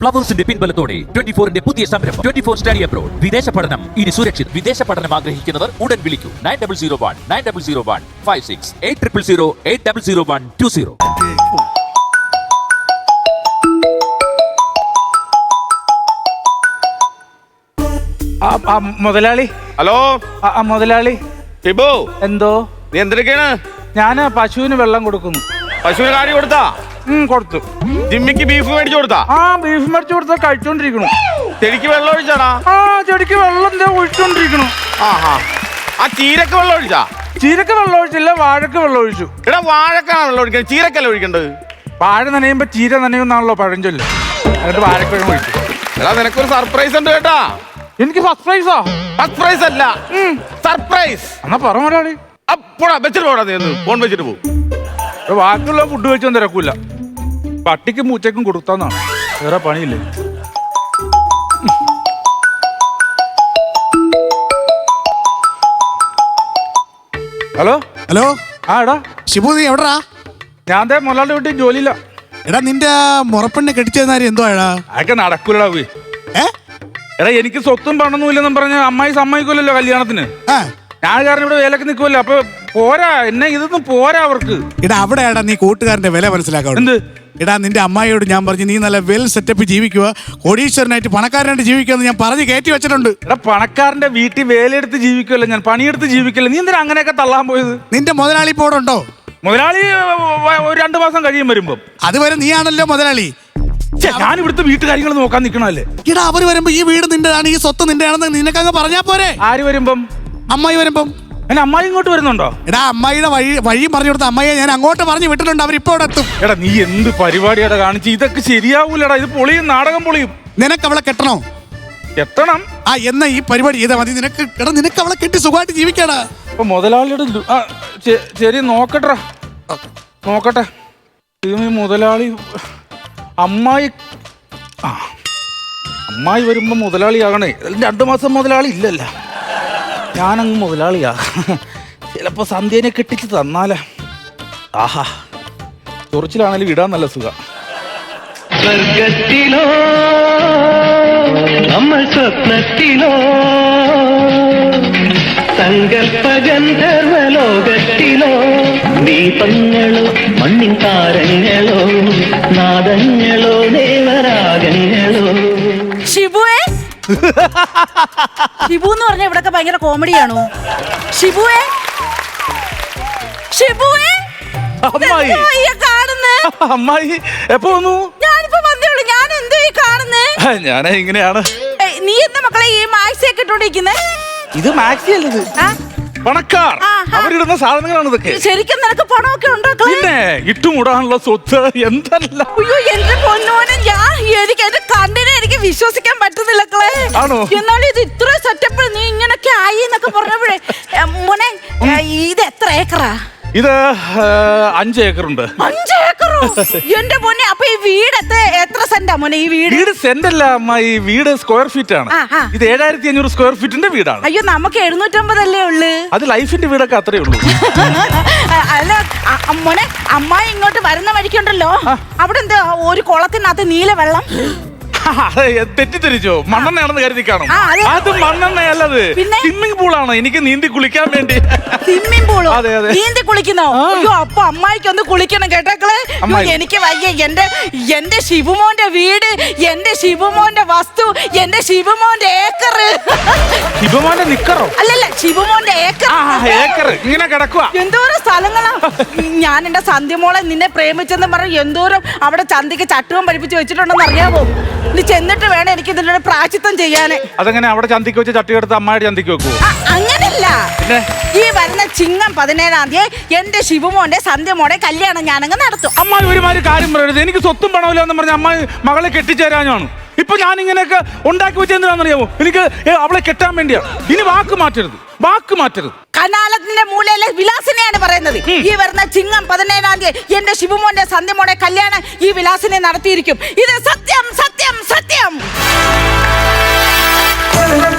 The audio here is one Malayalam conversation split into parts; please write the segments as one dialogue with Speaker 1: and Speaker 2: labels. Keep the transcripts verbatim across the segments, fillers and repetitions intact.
Speaker 1: ഫ്ലവേഴ്സിന്റെ പിൻബലത്തോടെ ട്വന്റി ഫോറിന്റെ പുതിയ സംരംഭം ട്വന്റി ഫോർ സ്റ്റഡി അബ്രോഡ്. വിദേശ പഠനം ഇനി സുരക്ഷിത്. വിദേശ പഠനം ആഗ്രഹിക്കുന്നവർ ഉടൻ വിളിക്കൂ nine double zero one nine double zero one five six eight triple zero eight double zero one two zero.
Speaker 2: മുതലാളി.
Speaker 3: ഹലോ
Speaker 2: മുതലാളി.
Speaker 3: ടിബു,
Speaker 2: എന്തോ?
Speaker 3: നീ എന്തൊക്കെയാണ്?
Speaker 2: ഞാന് പശുവിന് വെള്ളം കൊടുക്കുന്നു.
Speaker 3: പശുവിന് കാടി കൊടുത്താ?
Speaker 2: കൊടുത്തു.
Speaker 3: ജിമ്മിക്ക് ബീഫ് മേടിച്ചു കൊടുത്താ?
Speaker 2: ആ ബീഫ് മേടിച്ചു കൊടുത്താ കഴിച്ചോണ്ടിരിക്കണു.
Speaker 3: ചെടിക്ക് വെള്ളം ഒഴിച്ചാടാ?
Speaker 2: ആ ചെടിക്ക് വെള്ളം എന്താ ഒഴിച്ചോണ്ടിരിക്കണു.
Speaker 3: ആഹാ. ആ ചീരക്ക് വെള്ളം ഒഴിച്ചാ?
Speaker 2: ചീരക്ക് വെള്ളം ഒഴിച്ചില്ല, വാഴക്ക് വെള്ളം ഒഴിച്ചു.
Speaker 3: എടാ വാഴക്കാണ് വെള്ളം ഒഴിക്കുന്നത്, ചീരക്കല്ല ഒഴിക്കേണ്ടത്.
Speaker 2: വാഴ നനയുമ്പോ ചീര നനയുന്നാണല്ലോ പഴഞ്ചൊല്ല്. എന്നിട്ട് വാഴക്ക് വെള്ളം ഒഴിച്ചു.
Speaker 3: എടാ നിനക്കൊരു സർപ്രൈസ് ഉണ്ട് കേട്ടാ.
Speaker 2: എനിക്ക് സർപ്രൈസാ?
Speaker 3: സർപ്രൈസ് അല്ല, സർപ്രൈസ്.
Speaker 2: എന്നാ പറ മുതലാളി.
Speaker 3: അപ്പോടാ വെച്ചിട്ട് പോടാ, നീ ഒന്ന് ഫോൺ വെച്ചിട്ട് പോകും.
Speaker 2: ബാക്കിയുള്ള ഫുഡ് കഴിച്ചൊന്നും തിരക്കൂല. പട്ടിക്കും പൂച്ചക്കും കൊടുത്താന്നാണ്, വേറെ പണിയില്ലേ. Hello
Speaker 4: hello.
Speaker 2: ആ എടാ
Speaker 4: ഷിബു, നീ എവിടാ?
Speaker 2: ഞാൻ ദേ മുതലാളുടെ വീട്ടിൽ ജോലിയില്ല.
Speaker 4: എടാ നിന്റെ മുറപ്പെണ്ണെ കെട്ടിച്ചെന്നാരി എന്തോ എടാ?
Speaker 2: അതൊക്കെ നടക്കൂലടാ. പോയി
Speaker 4: ഏ
Speaker 2: എടാ എനിക്ക് സ്വത്തും പണൊന്നും ഇല്ലെന്നും പറഞ്ഞ അമ്മായി സമ്മതിക്കൂലല്ലോ കല്യാണത്തിന്.
Speaker 4: ആ
Speaker 2: ഞാൻ കാരണം ഇവിടെ വേലക്ക് നിൽക്കുമല്ലോ. അപ്പൊ പോരാ, എന്നെ ഇതൊന്നും പോരാ അവർക്ക്.
Speaker 4: എടാ അവിടെ എടാ നീ കൂട്ടുകാരന്റെ വില മനസ്സിലാക്കാം.
Speaker 2: എന്ത്?
Speaker 4: എടാ നിന്റെ അമ്മായിയോട് ഞാൻ പറഞ്ഞു നീ നല്ല വെൽ സെറ്റപ്പ് ജീവിക്കുക, കോടീശ്വരനായിട്ട് പണക്കാരനായിട്ട് ജീവിക്കുക എന്ന് ഞാൻ പറഞ്ഞ് കയറ്റി വെച്ചിട്ടുണ്ട്.
Speaker 2: എടാ പണക്കാരന്റെ വീട്ടിൽ വേലയെടുത്ത് ജീവിക്കുമല്ലോ ഞാൻ, പണിയെടുത്ത് ജീവിക്കല്ലോ. നീ എന്തിനാ അങ്ങനെയൊക്കെ തള്ളാൻ പോയത്?
Speaker 4: നിന്റെ മുതലാളി ഇപ്പോൾ ഉണ്ടോ?
Speaker 2: മുതലാളി ഒരു രണ്ടു മാസം കഴിയും വരുമ്പോ.
Speaker 4: അതുവരെ നീയാണല്ലോ മുതലാളി.
Speaker 2: ഞാൻ ഇവിടുത്തെ വീട്ടുകാര്യങ്ങൾ നോക്കാൻ നിൽക്കണല്ലേ.
Speaker 4: എടാ അവര് വരുമ്പോ ഈ വീട് നിന്റെതാണ്, ഈ സ്വത്ത് നിന്റെയാണെന്ന് നിനക്കങ്ങ് പറഞ്ഞാ പോരെ?
Speaker 2: ആര് വരുമ്പം?
Speaker 4: അമ്മായി വരുമ്പം.
Speaker 2: എന്നെ അമ്മായി ഇങ്ങോട്ട് വരുന്നുണ്ടോ?
Speaker 4: എടാ അമ്മായിയുടെ വഴി വഴി പറഞ്ഞു കൊടുത്ത അമ്മായിയെ ഞാൻ അങ്ങോട്ട് പറഞ്ഞു വിട്ടിട്ടുണ്ട്, അവരിപ്പോ ഇവിടെ എത്തും.
Speaker 2: എടാ നീ എന്ത് പരിപാടിയാടാ കാണിച്ച്? ഇതൊക്കെ ശരിയാവൂലടാ, ഇത് പൊളിയും, നാടകം പൊളിയും.
Speaker 4: നിനക്ക് അവളെ കെട്ടണോ?
Speaker 2: എത്തണം.
Speaker 4: ആ എന്നാ ഈ പരിപാടി ചെയ്താൽ മതി. നിനക്ക് എടാ നിനക്ക് അവളെ കെട്ടി സുഖമായിട്ട് ജീവിക്കാടാ.
Speaker 2: അപ്പൊ മുതലാളിയുടെ ലു- ആ, ശ- ശരി നോക്കട്ടെ നോക്കട്ടെ. ഇത് ഈ മുതലാളി അമ്മായി ആ അമ്മായി വരുമ്പോ മുതലാളിയാകണേ. രണ്ടു മാസം മുതലാളി ഇല്ലല്ല, ഞാനങ്ങ് മുതലാളിയാ. ചിലപ്പോ സന്ധ്യേനെ കെട്ടിച്ച് തന്നാലേ. ആഹാ ചൊറിച്ചിലാണേലും ഇടാൻ നല്ല സുഖം.
Speaker 5: സ്വർഗത്തിലോ നമ്മൾ സ്വപ്നത്തിലോ സങ്കൽപ്പ ഗന്ധർവലോകത്തിലോ ദീപങ്ങളോ മണ്ണിൻ താരങ്ങളോ നാദങ്ങളോ ദേവരാഗങ്ങളോ.
Speaker 6: ഷിബുവേ, ഷിബു എന്ന് പറഞ്ഞ ഇവിടൊക്കെ ഭയങ്കര കോമഡിയാണോ? ഷിബുവേ, ഷിബുവേ,
Speaker 2: അമ്മായി
Speaker 6: കാണുന്നേ?
Speaker 2: അമ്മായി എപ്പോ വന്നു?
Speaker 6: ഞാനിപ്പോ വന്നേ ഉള്ളൂ. ഞാൻ എന്തോ ഈ കാണുന്നേ?
Speaker 2: ഞാൻ ഇങ്ങനെയാണ്.
Speaker 6: ഏയ്, നീ എന്താ മക്കളെ ഈ മാക്സി ഒക്കെ ഇട്ടോണ്ടിരിക്കുന്നേ?
Speaker 2: ഇത് മാക്സി അല്ലത്,
Speaker 6: ആ?
Speaker 2: പണക്കാർ
Speaker 6: ആഹാ.
Speaker 2: അവരിടുന്ന സാധനങ്ങളാണ് ഇതൊക്കെ.
Speaker 6: ശരിക്കും നിനക്ക് പണമൊക്കെ ഉണ്ടോ?
Speaker 2: പിന്നെ ഇട്ടുമുടാനുള്ള സ്വത്ത് എന്തല്ല.
Speaker 6: അയ്യോ എന്റെ പൊന്നോനെ, ഞാൻ എനിക്ക് എന്റെ കണ്ണിനെ എനിക്ക് വിശ്വസിക്കാൻ പറ്റുന്നില്ല ക്കളെ.
Speaker 2: ആണോ?
Speaker 6: എന്നാലും ഇത് ഇത്ര സെറ്റപ്പ് നീ ഇങ്ങനൊക്കെ ആയി എന്നൊക്കെ പറഞ്ഞപ്പോഴേ ഏ, മോനെ ഏ, ഇത് എത്ര ഏക്കറാ?
Speaker 2: ഇത് ഏ, അഞ്ച് ഏക്കറുണ്ട്.
Speaker 6: അഞ്ച് ഏക്കറോ? എന്റെ മോനെ, അപ്പൊ ഈ വീട് എത്ര എത്ര സെന്റാ മോനെ ഈ വീട്?
Speaker 2: വീട് സെന്റ് അല്ല അമ്മ, ഈ വീട് സ്ക്വയർ ഫീറ്റ് ആണ്.
Speaker 6: ആ, ആ.
Speaker 2: ഇത് ഏഴായിരത്തി അഞ്ഞൂറ് സ്ക്വയർ ഫീറ്റിന്റെ വീടാണ്.
Speaker 6: അയ്യോ നമുക്ക് എഴുന്നൂറ്റമ്പതല്ലേ ഉള്ളു.
Speaker 2: അത് ലൈഫിന്റെ വീടൊക്കെ അത്രേ ഉള്ളൂ.
Speaker 6: അല്ല അ- അ- മോനെ, അമ്മായി ഇങ്ങോട്ട് വരുന്ന വഴിക്കുണ്ടല്ലോ, അവിടെ എന്താ ഒരു കുളത്തിനകത്ത് നീല വെള്ളം?
Speaker 2: അതെ, തെറ്റിദ്ധരിച്ചോ? മണ്ണെണ്ണയാണെന്ന് കരുതി കാണും.
Speaker 6: ആ, അതെ.
Speaker 2: അത് മണ്ണെണ്ണയല്ലത്,
Speaker 6: പിന്നെ?
Speaker 2: സ്വിമ്മിംഗ് പൂളാണ്. എനിക്ക് നീന്തി കുളിക്കാൻ വേണ്ടി.
Speaker 6: സ്വിമ്മിംഗ് പൂളോ?
Speaker 2: അതെ, അതെ.
Speaker 6: നീന്തി കുളിക്കുന്നോ? അയ്യോ അപ്പൊ അമ്മായിക്ക് ഒന്ന് കുളിക്കണം കേട്ടേക്കളെ.
Speaker 2: അമ്മായി.
Speaker 6: എനിക്ക് വയ്യ. എന്റെ എന്റെ ശിവമോന്റെ വീട്, എന്റെ ശിവമോന്റെ വസ്തു, എന്റെ ശിവമോന്റെ ഏക്കർ.
Speaker 2: ശിവമാന്റെ നിക്കറോ?
Speaker 6: അല്ലല്ല, ശിവമോന്റെ ഏക്കർ.
Speaker 2: ആ ഏക്കർ ഇങ്ങനെ കിടക്കുക.
Speaker 6: എന്തോരം സ്ഥലങ്ങളാ. ഞാൻ എന്റെ സന്ധ്യമോളെ നിന്നെ പ്രേമിച്ചെന്ന് പറഞ്ഞ് എന്തോരം അവിടെ ചന്തിക്ക് ചട്ടുകം പഠിപ്പിച്ച് വെച്ചിട്ടുണ്ടെന്ന് അറിയാവോ? നീ ചെന്നിട്ട് വേണം എനിക്ക് ഇതിന്റെ പ്രായശ്ചിത്തം ചെയ്യാന്.
Speaker 2: അതെങ്ങനെ അവിടെ ചന്തിക്ക് വെച്ച് ചട്ടി എടുത്ത് അമ്മായിട്ട് ചന്തിക്ക് വെക്കുവോ?
Speaker 6: ആ, അങ്ങനല്ല.
Speaker 2: പിന്നെ?
Speaker 6: ഈ വരുന്ന ചിങ്ങം പതിനേഴാം തീയതി എന്റെ ശിവമോന്റെ സന്ധ്യമോടെ കല്യാണം ഞാനങ്ങ് നടത്തും.
Speaker 2: അമ്മായി ഒരുമാതിരി കാര്യം പറയരുത്. എനിക്ക് സ്വത്തും പണമില്ല എന്ന് പറഞ്ഞ അമ്മായി മകളെ കെട്ടിച്ചേരാനാണ്. ഇപ്പൊ ഞാൻ ഇങ്ങനെയൊക്കെ ഉണ്ടാക്കി വെച്ചെന്തിനാണെന്നറിയാമോ? എനിക്ക് ഏ, അവളെ കെട്ടാൻ വേണ്ടിയാ. ഇനി വാക്ക് മാറ്റരുത്, വാക്ക് മാറ്റരുത്.
Speaker 6: കനാലത്തിന്റെ മൂലയിലെ വിലാസിനെയാണ് പറയുന്നത്. ഈ വരുന്ന ചിങ്ങം പതിനേഴാം തീയതി എന്റെ ശിവമോന്റെ സന്ധ്യമോടെ കല്യാണം ഈ വിലാസിനെ നടത്തിയിരിക്കും. ഇത് സത്യം സത്യം സത്യം.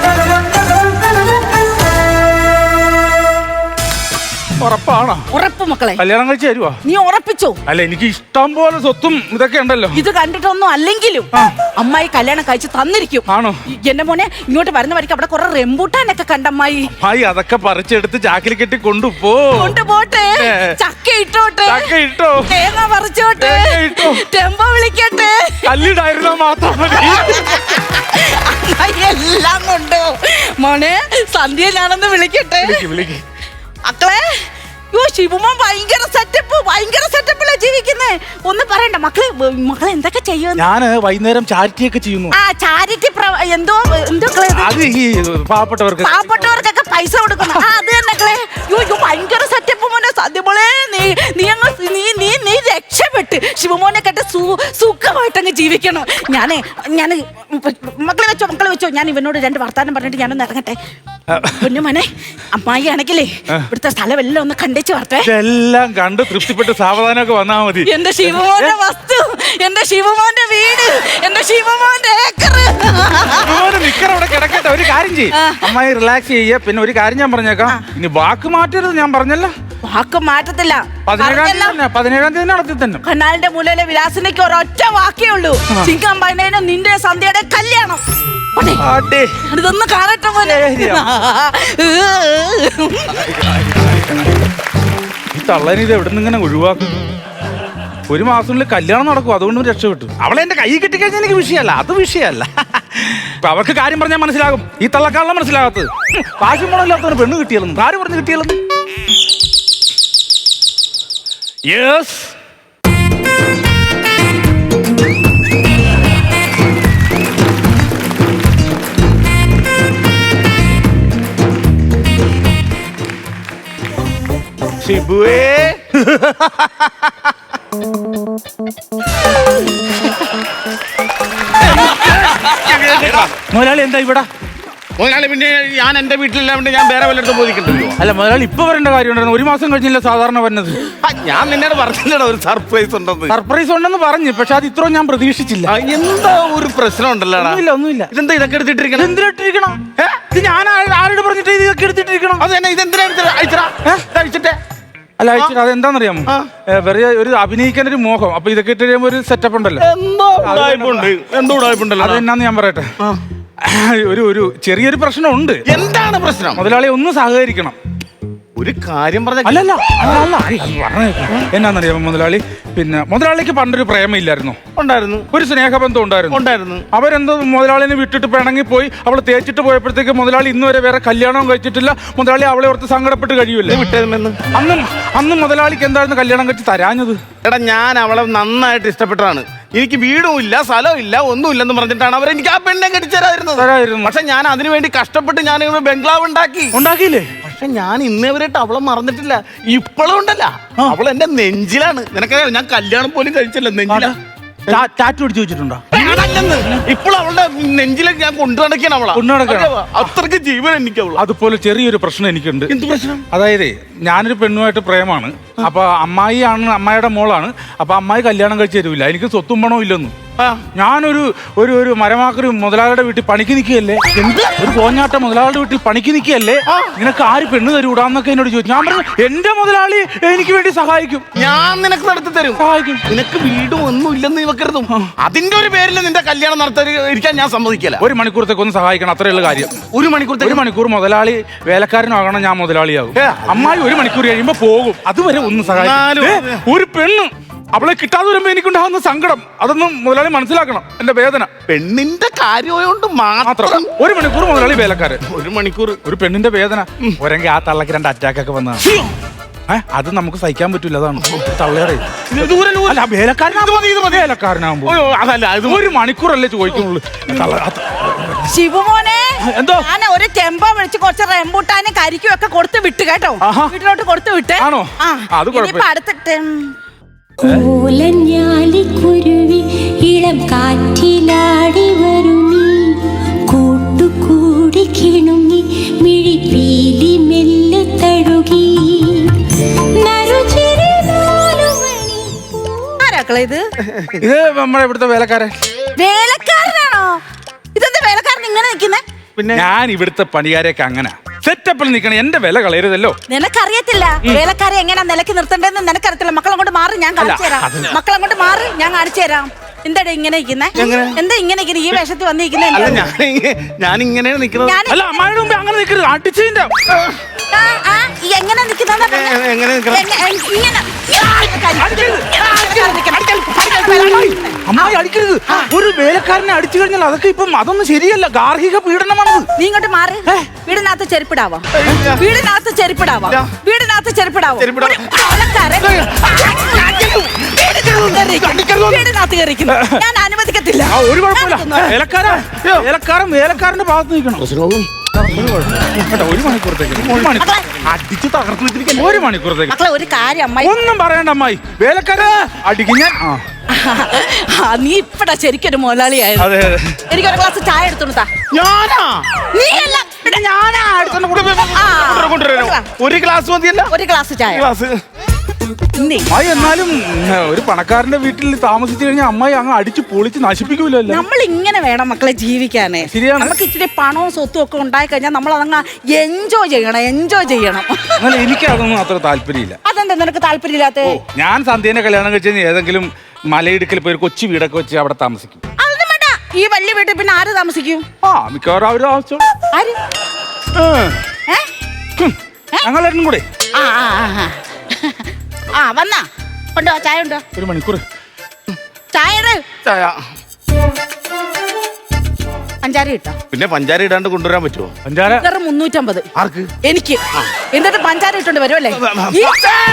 Speaker 2: ഉറപ്പാണോ?
Speaker 6: ഉറപ്പ് മക്കളെ?
Speaker 2: കല്യാണം കഴിച്ച് തരുവാ?
Speaker 6: നീ ഉറപ്പിച്ചോ?
Speaker 2: അല്ല, എനിക്ക് ഇഷ്ടം പോലെ സ്വത്തും ഇതൊക്കെ ഉണ്ടല്ലോ.
Speaker 6: ഇത് കണ്ടിട്ടൊന്നും അല്ലെങ്കിലും അമ്മായി കല്യാണം കഴിച്ച് തന്നിരിക്കും.
Speaker 2: ആണോ?
Speaker 6: എന്റെ മോനെ, ഇങ്ങോട്ട് വരുന്ന വഴിക്ക് അവിടെ കുറെ റെമ്പൂട്ടാനൊക്കെ കണ്ടമ്മായി.
Speaker 2: അമ്മായി അതൊക്കെ പറിച്ചെടുത്ത് ചാക്കിൽ കെട്ടി കൊണ്ടുപോ.
Speaker 6: കൊണ്ടുപോട്ടെ. ചക്ക ഇട്ടോട്ടെ.
Speaker 2: ചക്ക ഇട്ടോ.
Speaker 6: തേങ്ങ പറിച്ചോട്ടെ.
Speaker 2: തേങ്ങ ഇട്ടോ.
Speaker 6: ടെമ്പോ വിളിക്കട്ടെ.
Speaker 2: കല്ലിടായിരുന്നാ മാത്രം മതി.
Speaker 6: അമ്മായി എല്ലാം കൊണ്ടോ. മോനെ, സന്ധ്യ ഞാനൊന്ന് വിളിക്കട്ടെ.
Speaker 2: വിളിക്ക്, വിളിക്ക്.
Speaker 6: മക്കളെ, യോ ശിവമോൻ ഭയങ്കര സെറ്റപ്പ്, ഭയങ്കര സെറ്റപ്പിലാ ജീവിക്കുന്നേ. ഒന്നും പറയണ്ട മക്കളെ. മക്കളെ എന്തൊക്കെ ചെയ്യുന്നു?
Speaker 2: ഞാന് വൈകുന്നേരം ചാരിറ്റി ഒക്കെ ചെയ്യുന്നു.
Speaker 6: ആ ചാരിറ്റി എന്തോ എന്തോ
Speaker 2: അത് ഈ പാവപ്പെട്ടവർക്ക്
Speaker 6: പാവപ്പെട്ടവർക്കൊക്കെ പൈസ കൊടുക്കുന്നു. ആ അത് തന്നെ മക്കളെ. യോ യോ ഭയങ്കര സെറ്റപ്പ് മോനെ. സത്യമോളെ, നീ നീ അങ്ങ് നീ നീ നീ രക്ഷപ്പെട്ട് ശിവമോനെ കേട്ട് സു സുഖമായിട്ടങ്ങ് ജീവിക്കണം. ഞാനേ ഞാൻ മക്കളെ വെച്ചോ, മക്കളെ വെച്ചോ. ഞാൻ ഇവനോട് രണ്ട് വർത്താനം പറഞ്ഞിട്ട് ഞാനൊന്ന് ഇറങ്ങട്ടെ. പൊന്നുമോനെ, അമ്മായി ആണെങ്കിലേ ഇവിടുത്തെ സ്ഥലം എല്ലാം ഒന്ന് കണ്ടേച്ച് വരട്ടെ.
Speaker 2: എല്ലാം കണ്ട് തൃപ്തിപ്പെട്ട് സാവധാനമൊക്കെ വന്നാ മതി.
Speaker 6: എന്റെ ശിവമോന്റെ വസ്തു, എന്റെ ശിവമോന്റെ വീട്, എന്റെ ശിവമോന്റെ ഏക്കർ.
Speaker 2: അവിടെ കിടക്കട്ടെ. ഒരു കാര്യം ചെയ്യും, അമ്മായി റിലാക്സ് ചെയ്യ. പിന്നെ ഒരു കാര്യം ഞാൻ പറഞ്ഞേക്കാം, ഇനി വാക്ക് മാറ്റരുത്. ഞാൻ പറഞ്ഞല്ലോ,
Speaker 6: വാക്ക് മാറ്റത്തില്ല.
Speaker 2: പതിനേഴാം തീയതി പതിനേഴാം തീയതി നടത്തി തന്നെ.
Speaker 6: കനാലിന്റെ മൂലയിലെ വിലാസിനേക്ക് ഒരൊറ്റ വാക്കേ ഉള്ളൂ. ചിങ്കമ്പൈനേനും നിന്റെ സന്ധ്യയുടെ കല്യാണം. ഇതൊന്ന് കാണട്ടെ പോലെ.
Speaker 2: ഈ തള്ളനെ ഇത് എവിടെ നിന്ന് ഇങ്ങനെ ഒഴിവാക്കും? ഒരു മാസത്തിനുള്ളിൽ കല്യാണം നടക്കും, അതുകൊണ്ടും രക്ഷപ്പെട്ടു. അവളെ എന്റെ കൈ കിട്ടിക്കഴിഞ്ഞാൽ എനിക്ക് വിഷയമല്ല, അത് വിഷയമല്ല. ഇപ്പൊ അവർക്ക് കാര്യം പറഞ്ഞാൽ മനസ്സിലാകും. ഈ തള്ളക്കാളെ മനസ്സിലാകത്തത് കാശും മുടങ്ങില്ലാത്തവന് പെണ്ണ് കിട്ടിയാലും കാര്യം പറഞ്ഞ് കിട്ടിയാലും. യെസ്,
Speaker 3: ഷിബുവേ,
Speaker 2: മുതലാളി എന്താ ഇവിടെ?
Speaker 3: മുതലാളി, പിന്നെ ഞാൻ എന്റെ വീട്ടിലില്ലാണ്ട് ഞാൻ വേറെ വല്ലയിടത്തും പോയിക്കിട്ടല്ലോ.
Speaker 2: അല്ല മുതലാളി, ഇപ്പൊ വരേണ്ട കാര്യം ഉണ്ടായിരുന്നു. ഒരു മാസം കഴിഞ്ഞില്ല സാധാരണ വരുന്നത്.
Speaker 3: ഞാൻ നിന്നോട് പറഞ്ഞില്ലടോ ഒരു സർപ്രൈസ് ഉണ്ടെന്ന്.
Speaker 2: സർപ്രൈസ് ഉണ്ടെന്ന് പറഞ്ഞു, പക്ഷെ അത് ഇത്രയും ഞാൻ പ്രതീക്ഷിച്ചില്ല.
Speaker 3: ആ, എന്താ ഒരു പ്രശ്നം ഉണ്ടല്ലോ?
Speaker 2: ഒന്നുമില്ല, ഒന്നുമില്ല.
Speaker 3: ഇതെന്താ ഇതൊക്കെ എടുത്തിട്ടിരിക്കണം?
Speaker 2: എന്തിനിട്ടിരിക്കണം? ഇത് ഞാൻ ആ- ആരോട് പറഞ്ഞിട്ട് ഇതൊക്കെ എടുത്തിട്ടിരിക്കണം?
Speaker 3: അത് തന്നെ, ഇതെന്തിനാ അയച്ചടാ? അയച്ചിട്ടേ.
Speaker 2: അല്ല അയച്ചിട്ട് അതെന്താണെന്നറിയാമോ? വെറുതെ ഒരു അഭിനയിക്കാൻ ഒരു മോഹം. അപ്പൊ ഇതൊക്കെ ഇട്ട് കഴിയുമ്പോ ഒരു സെറ്റപ്പ് ഉണ്ടല്ലോ.
Speaker 3: എന്തോ ഉടായ്പുണ്ട്, എന്തോ ഉടായ്പുണ്ടല്ലോ.
Speaker 2: അതെന്നാന്ന് ഞാൻ പറയട്ടെ. ഒരു ഒരു ചെറിയൊരു പ്രശ്നമുണ്ട്.
Speaker 3: എന്താണ് പ്രശ്നം?
Speaker 2: മുതലാളി ഒന്ന് സഹകരിക്കണം.
Speaker 3: ഒരു കാര്യം പറഞ്ഞ
Speaker 2: അല്ലല്ല അല്ല എന്നാന്നറിയാമോ മുതലാളി? പിന്നെ മുതലാളിക്ക് പണ്ടൊരു പ്രേമയില്ലായിരുന്നു?
Speaker 3: ഉണ്ടായിരുന്നു.
Speaker 2: ഒരു സ്നേഹബന്ധം ഉണ്ടായിരുന്നു.
Speaker 3: ഉണ്ടായിരുന്നു.
Speaker 2: അവരെന്തോ മുതലാളിനെ വിട്ടിട്ട് പിണങ്ങി പോയി. അവൾ തേച്ചിട്ട് പോയപ്പോഴത്തേക്ക് മുതലാളി ഇന്ന് വരെ വേറെ കല്യാണവും കഴിച്ചിട്ടില്ല. മുതലാളി അവളെ ഓർത്ത് സങ്കടപ്പെട്ട് കഴിയുമല്ലേ?
Speaker 3: വിട്ടേമെന്ന്
Speaker 2: അന്നും അന്നും മുതലാളിക്ക് എന്തായിരുന്നു കല്യാണം കഴിച്ച് തരാഞ്ഞത്?
Speaker 3: എടാ, ഞാൻ അവളെ നന്നായിട്ട് ഇഷ്ടപ്പെട്ടതാണ്. എനിക്ക് വീടും ഇല്ല, സ്ഥലവും ഇല്ല, ഒന്നുമില്ലെന്ന് പറഞ്ഞിട്ടാണ് അവർ എനിക്ക് ആ പെണ്ണെ കെട്ടിച്ചേരാതിരുന്നത്.
Speaker 2: തരായിരുന്നു.
Speaker 3: പക്ഷെ ഞാൻ അതിനു വേണ്ടി കഷ്ടപ്പെട്ട് ഞാൻ ഇവിടെ ബംഗ്ലാവ് ഉണ്ടാക്കി.
Speaker 2: ഉണ്ടാക്കിയില്ലേ?
Speaker 3: പക്ഷെ ഞാൻ ഇന്നേവരായിട്ട് അവളെ മറന്നിട്ടില്ല. ഇപ്പോഴും ഉണ്ടല്ല, അവൾ എന്റെ നെഞ്ചിലാണ്. നിനക്കറിയാം, ഞാൻ കല്യാണം പോലും കഴിച്ചില്ല. നെഞ്ചില
Speaker 2: ടാറ്റു പിടിച്ചു വെച്ചിട്ടുണ്ടോ?
Speaker 3: ഇപ്പോൾ അവളുടെ നെഞ്ചിലേക്ക് ഞാൻ കൊണ്ടു നടക്കുകയാണ് അവളെ.
Speaker 2: കൊണ്ടു നടക്കുകയാണ്.
Speaker 3: അത്രയ്ക്ക് ജീവൻ എനിക്ക് അവള്.
Speaker 2: അതുപോലെ ചെറിയൊരു പ്രശ്നം എനിക്കുണ്ട്.
Speaker 3: എന്ത് പ്രശ്നം?
Speaker 2: അതായത് ഞാനൊരു പെണ്ണുമായിട്ട് പ്രേമാണ്. അപ്പൊ അമ്മായി ആണ്, അമ്മായിയുടെ മോളാണ്. അപ്പൊ അമ്മായി കല്യാണം കഴിച്ച് തരൂല. എനിക്ക് സ്വത്തും പണവും ഇല്ലെന്നും. ഞാനൊരു ഒരു ഒരു മരമാക്കൊരു മുതലാളിയുടെ വീട്ടിൽ പണിക്ക് നിൽക്കുകയല്ലേ? എന്ത് ഒരു കോഞ്ഞാട്ട മുതലാളിയുടെ വീട്ടിൽ പണിക്ക് നിൽക്കുകയല്ലേ? നിനക്ക് ആര് പെണ്ണ് തരൂടാന്നൊക്കെ എന്നോട് ചോദിച്ചു. ഞാൻ പറഞ്ഞു എന്റെ മുതലാളി എനിക്ക് വേണ്ടി സഹായിക്കും.
Speaker 3: ഞാൻ നിനക്ക് നടത്തി തരും.
Speaker 2: സഹായിക്കും.
Speaker 3: നിനക്ക് വീടും ഒന്നും ഇല്ലെന്ന് വെക്കരുതും. അതിന്റെ ഒരു പേരിൽ നിന്റെ കല്യാണം നടത്താൻ ഞാൻ സമ്മതിക്കില്ല.
Speaker 2: ഒരു മണിക്കൂറത്തേക്ക് ഒന്ന് സഹായിക്കണം, അത്രയുള്ള കാര്യം.
Speaker 3: ഒരു മണിക്കൂർ
Speaker 2: ഒരു മണിക്കൂർ മുതലാളി വേലക്കാരനാകണം, ഞാൻ മുതലാളിയാകും. അമ്മായി ഒരു മണിക്കൂർ കഴിയുമ്പോ പോകും. അതുവരെ ഒന്ന് സഹായിക്കും. ഒരു പെണ്ണ് അവളെ കിട്ടാതെ വരുമ്പോ എനിക്കുണ്ടാകുന്ന സങ്കടം അതൊന്നും മുതലാളി മനസ്സിലാക്കണം. എന്റെ വേദന
Speaker 3: പെണ്ണിന്റെ കാര്യമായോണ്ട് മാത്രം.
Speaker 2: ഒരു മണിക്കൂർ മുതലാളി വേലക്കാരൻ,
Speaker 3: ഒരു മണിക്കൂർ
Speaker 2: ഒരു പെണ്ണിന്റെ വേദന. ഒരെങ്കിൽ ആ തള്ളക്ക് രണ്ട് അറ്റാക്ക് ഒക്കെ വന്നതാണ്. ഏഹ് അത് നമുക്ക് സഹിക്കാൻ പറ്റൂല. അതാണ് തള്ളേറെ വേലക്കാരനാകുമ്പോ
Speaker 3: അതല്ല,
Speaker 2: ഒരു മണിക്കൂറല്ലേ ചോദിക്കുന്നുള്ളൂ.
Speaker 6: ശിവമോനെ,
Speaker 2: എന്തോ
Speaker 6: ഞാൻ ഒരു ടെമ്പോ വിളിച്ച് കുറച്ച് റെമ്പൂട്ടാനും കരിക്കും ഒക്കെ കൊടുത്ത് വിട്ട് കേട്ടോ. വീട്ടിലോട്ട് കൊടുത്ത് വിട്ട്.
Speaker 2: ആണോ? അത് കുഴപ്പമില്ല.
Speaker 6: അടുത്തിട്ട്
Speaker 7: കോലഞ്ഞാലിക്കുരുവി ഇളം കാറ്റിലാടി വരുമീ കൂട്ടുകൂടി കിണുങ്ങി മിഴിപ്പീലി മെല്ലെ തഴുകി
Speaker 6: ആരാക്കളെ ഇത്?
Speaker 2: ഇത് നമ്മുടെ ഇവിടുത്തെ വേലക്കാരൻ.
Speaker 6: വേലക്കാരനാണോ? ഇതെന്താ വേലക്കാരൻ ഇങ്ങനെ നിൽക്കുന്നേ?
Speaker 2: പിന്നെ ഞാൻ ഇവിടുത്തെ പണിക്കാരെയൊക്കെ അങ്ങനെ സെറ്റപ്പിൽ നിൽക്കണം. എന്റെ വില കളയരുതല്ലോ.
Speaker 6: നിനക്കറിയത്തില്ല വേലക്കാരെ എങ്ങനെ നിലക്ക് നിർത്തണ്ടെന്ന് നിനക്കറിയത്തില്ല. മക്കളെ കൊണ്ട് മാറി ഞാൻ കാണിച്ചു തരാം. മക്കളെ കൊണ്ട് മാറി ഞാൻ കാണിച്ചു തരാം. എന്താടാ ഇങ്ങനെ ഇരിക്കുന്നേ? എന്താ ഇങ്ങനെ ഇരിക്കുന്നെ? ഈ വേഷത്തിൽ വന്നിരിക്കുന്നേ?
Speaker 3: അല്ല ഞാൻ ഞാൻ ഇങ്ങനെയാണ് നിൽക്കുന്നത്.
Speaker 6: ഞാൻ
Speaker 2: അല്ല അമ്മായിയുടെ മുമ്പ് അങ്ങനെ നിൽക്കരുത്. അടിച്ചതിന്റെ
Speaker 6: ആ, ആ, ഈ എങ്ങനെ നിൽക്കുന്ന
Speaker 3: എങ്ങനെ നിൽക്കണം?
Speaker 6: ഇങ്ങനെ
Speaker 2: അമ്മായി അടിക്കരുത്. ഒരു വേലക്കാരനെ അടിച്ചു കഴിഞ്ഞാൽ അതൊക്കെ ഇപ്പം അതൊന്നും ശരിയല്ല. ഗാർഹിക പീഡനമാണത്.
Speaker 6: നീ ഇങ്ങോട്ട് മാറി. വീടിനകത്ത് ചെരുപ്പിടാവോ? വീടിനകത്ത് ചെരുപ്പിടാവോ? വീടിനകത്ത് ചെരുപ്പിടാവോ?
Speaker 3: ചെരുപ്പിടാം.
Speaker 6: ഒരു ആൾക്കാരൻ വീടിനകത്ത് കയറിക്കുന്നു. ഞാൻ അനുവദിക്കത്തില്ല.
Speaker 2: ആ ഒരു കുഴപ്പമില്ല. വേലക്കാരൻ വേലക്കാരൻ വേലക്കാരന്റെ ഭാഗത്ത് നിൽക്കണം. കേട്ടോ, ഒരു മണിക്കൂറത്തേക്ക് ഒരു മണിക്കൂർ അടിച്ച് തകർത്ത് വെച്ചിരിക്കുന്നു. ഒരു മണിക്കൂറത്തേക്ക്
Speaker 6: മക്കളെ ഒരു കാര്യം അമ്മായി
Speaker 2: ഒന്നും പറയണ്ട അമ്മായി. വേലക്കാരൻ അടിക്കും ഞാൻ. ആ
Speaker 6: ആ, നീ ഇപ്പടാ ശരിക്കൊരു മുതലാളിയായിരുന്നു.
Speaker 2: അതെ അതെ.
Speaker 6: എനിക്കൊരു ഗ്ലാസ് ചായ എടുത്തോണ്ടാ.
Speaker 3: ഞാനാ
Speaker 6: നീ അല്ല പിന്നെ ഞാനാ എടുത്തോണ്ട് കൊണ്ടുവരാം. ആ,
Speaker 3: കൊണ്ടുവരാനോ? ഒരു ഗ്ലാസ് മതിയല്ല?
Speaker 6: ഒരു ഗ്ലാസ് ചായ.
Speaker 3: ഗ്ലാസ്
Speaker 6: നീ
Speaker 2: അമ്മായി എന്നാലും ഉം, ഒരു പണക്കാരന്റെ വീട്ടിൽ താമസിച്ചു കഴിഞ്ഞാൽ അമ്മായി അങ്ങ് അടിച്ച് പൊളിച്ച് നശിപ്പിക്കൂലല്ലോ.
Speaker 6: നമ്മൾ ഇങ്ങനെ വേണം മക്കളെ ജീവിക്കാനേ.
Speaker 2: ശരിയാണ്.
Speaker 6: നമുക്ക് ഇച്ചിരി പണവും സ്വത്തും ഒക്കെ ഉണ്ടായി കഴിഞ്ഞാൽ നമ്മൾ അതങ്ങ് എൻജോയ് ചെയ്യണം. എൻജോയ് ചെയ്യണം.
Speaker 2: എന്നാൽ എനിക്ക് അതൊന്നും അത്ര താല്പര്യമില്ല.
Speaker 6: അതെന്താ നിനക്ക് താല്പര്യമില്ലാത്ത?
Speaker 2: ഞാൻ സന്ധ്യേനെ കല്യാണം കഴിച്ച് കഴിഞ്ഞാൽ ഏതെങ്കിലും മലയിടുക്കിൽ പോയി ഒരു കൊച്ചു വീടൊക്കെ വെച്ച് അവിടെ താമസിക്കും.
Speaker 6: അതൊന്നും വേണ്ട. ഈ വലിയ വീട്ടിൽ പിന്നെ ആര് താമസിക്കും?
Speaker 2: ആ മിക്കവാറും അവര് ആവശ്യം
Speaker 6: ആര്? ഏ?
Speaker 2: ഞങ്ങളെല്ലാം കൂടെ
Speaker 6: ആ ആ ആ, ആ. ആ വന്നാ ഉണ്ടോ? ചായ ഉണ്ടോ?
Speaker 2: ഒരു മണിക്കൂർ
Speaker 6: ചായ ഇട്.
Speaker 3: ചായ
Speaker 6: പഞ്ചാര ഇട്ടോ?
Speaker 3: പിന്നെ പഞ്ചാര ഇടാണ്ട് കൊണ്ടുവരാൻ പറ്റുമോ?
Speaker 2: പഞ്ചാര
Speaker 6: വെറും മുന്നൂറ്റമ്പത്
Speaker 3: ആർക്ക്?
Speaker 6: എനിക്ക്. എന്നിട്ട് പഞ്ചാര ഇട്ടോണ്ട് വരുമല്ലേ? ഈ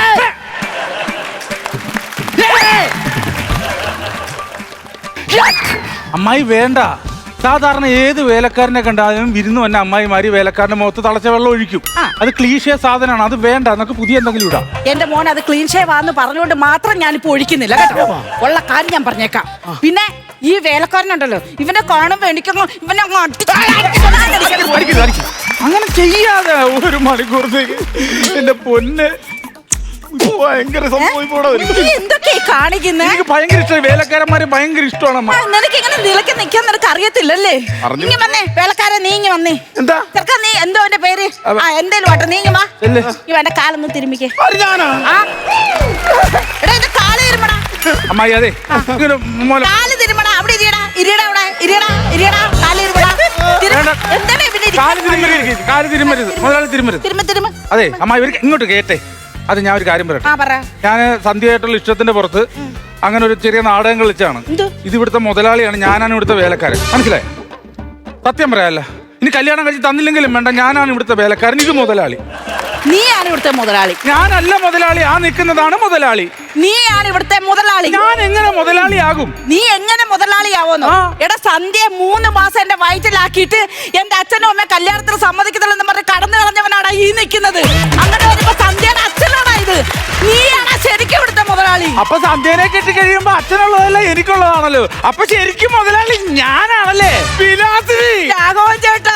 Speaker 2: അമ്മായി വേണ്ട. സാധാരണ ഏത് വേലക്കാരനെ കണ്ടാലും വിരുന്ന് വന്ന അമ്മായിമാര് വേലക്കാരന്റെ മുഖത്ത് തളച്ച വെള്ളം ഒഴിക്കും.
Speaker 6: ആ.
Speaker 2: അത് ക്ലീശേ സാധനമാണ്. അത് വേണ്ട. നമുക്ക് പുതിയ എന്തെങ്കിലും ഇടാം.
Speaker 6: എന്റെ മോൻ അത് ക്ലീൻ ഷേവ് ആന്ന് പറഞ്ഞുകൊണ്ട് മാത്രം ഞാനിപ്പോ ഒഴിക്കുന്നില്ല കേട്ടോ. ഉള്ള കാര്യം ഞാൻ പറഞ്ഞേക്കാം. പിന്നെ ഈ വേലക്കാരനുണ്ടല്ലോ, ഇവനെ കാണുമ്പോ എനിക്കങ്ങ് ഇവനെ അങ്ങ് അടിച്ച്
Speaker 2: അടിക്കരുത്, അടിക്കരുത്. അങ്ങനെ ചെയ്യാതെ ഒരു മണിക്കൂറത്തേക്ക് എന്റെ പൊന്ന്.
Speaker 3: ഭയങ്കര സംഭവം ഇവിടെ വരും.
Speaker 6: നീ എന്തൊക്കെയാ കാണിക്കുന്നേ?
Speaker 2: എനിക്ക് ഭയങ്കര ഇഷ്ടമായി. വേലക്കാരന്മാരെ ഭയങ്കര ഇഷ്ടമാണ് അമ്മ.
Speaker 6: നിനക്ക് ഇങ്ങനെ നിലയ്ക്ക് നിൽക്കാൻ നിനക്ക് അറിയത്തില്ലല്ലേ?
Speaker 3: അറിഞ്ഞു.
Speaker 6: നീങ്ങി വന്നേ വേലക്കാരൻ, നീങ്ങി വന്നേ.
Speaker 3: എന്താ?
Speaker 6: ചെറുക്കാ നീ എന്തോ എന്റെ പേര്? ആ എന്തേലും ആട്ടെ, നീങ്ങി വാ.
Speaker 2: ചെല്ല്.
Speaker 6: ഈ വേണ്ട കാലൊന്ന് തിരുമിക്കേ.
Speaker 3: ആര് ഞാനാ?
Speaker 6: ആ എടാ എന്റെ കാല് തിരുമടാ.
Speaker 2: അമ്മായി അതെ ഇങ്ങനെ മോനെ
Speaker 6: കാല് തിരുമടാ. അവിടെ ഇരിയടാ, ഇരിയടാ, അവിടെ ഇരിയടാ, ഇരിയടാ, കാല് തിരുമടാ.
Speaker 2: വേണ്ട.
Speaker 6: എന്താണ് പിന്നെ
Speaker 2: കാല് തിരുമരുത്, കാല് തിരുമരുത്, മുതലാളി തിരുമരുത്.
Speaker 6: തിരുമ തിരുമ.
Speaker 2: അതെ അമ്മായി ഇവർക്ക് ഇങ്ങോട്ട് കേട്ടെ. അത് ഞാൻ ഒരു കാര്യം പറയട്ടെ.
Speaker 6: ആ പറ.
Speaker 2: ഞാൻ സന്ധ്യയായിട്ടുള്ള ഇഷ്ടത്തിന്റെ പുറത്ത് അങ്ങനെ ഒരു ചെറിയ നാടകം കളിച്ചാണ്.
Speaker 6: എന്ത്?
Speaker 2: ഇത് ഇവിടുത്തെ മുതലാളിയാണ്, ഞാനാണ് ഇവിടുത്തെ വേലക്കാരൻ. മനസ്സിലായി? സത്യം പറയാല്ല. ഇനി കല്യാണം കഴിച്ച് തന്നില്ലെങ്കിലും വേണ്ട, ഞാനാണ് ഇവിടുത്തെ വേലക്കാരൻ. ഇത് മുതലാളി.
Speaker 6: നീയാണ് ഇവിടുത്തെ മുതലാളി.
Speaker 2: ഞാനല്ല മുതലാളി. ആ നിൽക്കുന്നതാണ് മുതലാളി.
Speaker 6: നീയാണ് ഇവിടുത്തെ മുതലാളി.
Speaker 2: ഞാൻ എങ്ങനെ മുതലാളിയാകും?
Speaker 6: നീ എങ്ങനെ മുതലാളിയാവോന്നോ?
Speaker 2: ആ.
Speaker 6: എടാ സന്ധ്യ മൂന്ന് മാസം എന്റെ വയറ്റിലാക്കിയിട്ട് എന്റെ അച്ഛനും അമ്മ കല്യാണത്തിന് സമ്മതിക്കുന്നില്ലെന്ന് പറഞ്ഞ് കടന്നു കളഞ്ഞവനാടാ ഈ നിൽക്കുന്നത്. അങ്ങനെ വരുമ്പോ സന്ധ്യയുടെ അച്ഛനാടാ ഇത്. നീയാണ് ശരിക്കും ഇവിടുത്തെ മുതലാളി.
Speaker 2: അപ്പൊ സന്ധ്യനെ കെട്ടി കഴിയുമ്പോ അച്ഛനുള്ളതല്ല എനിക്കുള്ളതാണല്ലോ. അപ്പൊ ശരിക്കും മുതലാളി ഞാനാണല്ലേ? വിലാസിനി.
Speaker 6: രാഘവൻ ചേട്ടാ.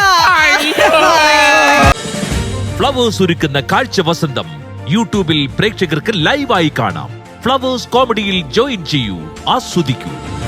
Speaker 1: ഫ്ലവേഴ്സ് ഒരുക്കുന്ന കാഴ്ച വസന്തം യൂട്യൂബിൽ പ്രേക്ഷകർക്ക് ലൈവായി കാണാം. ഫ്ലവേഴ്സ് കോമഡിയിൽ ജോയിൻ ചെയ്യൂ, ആസ്വദിക്കൂ.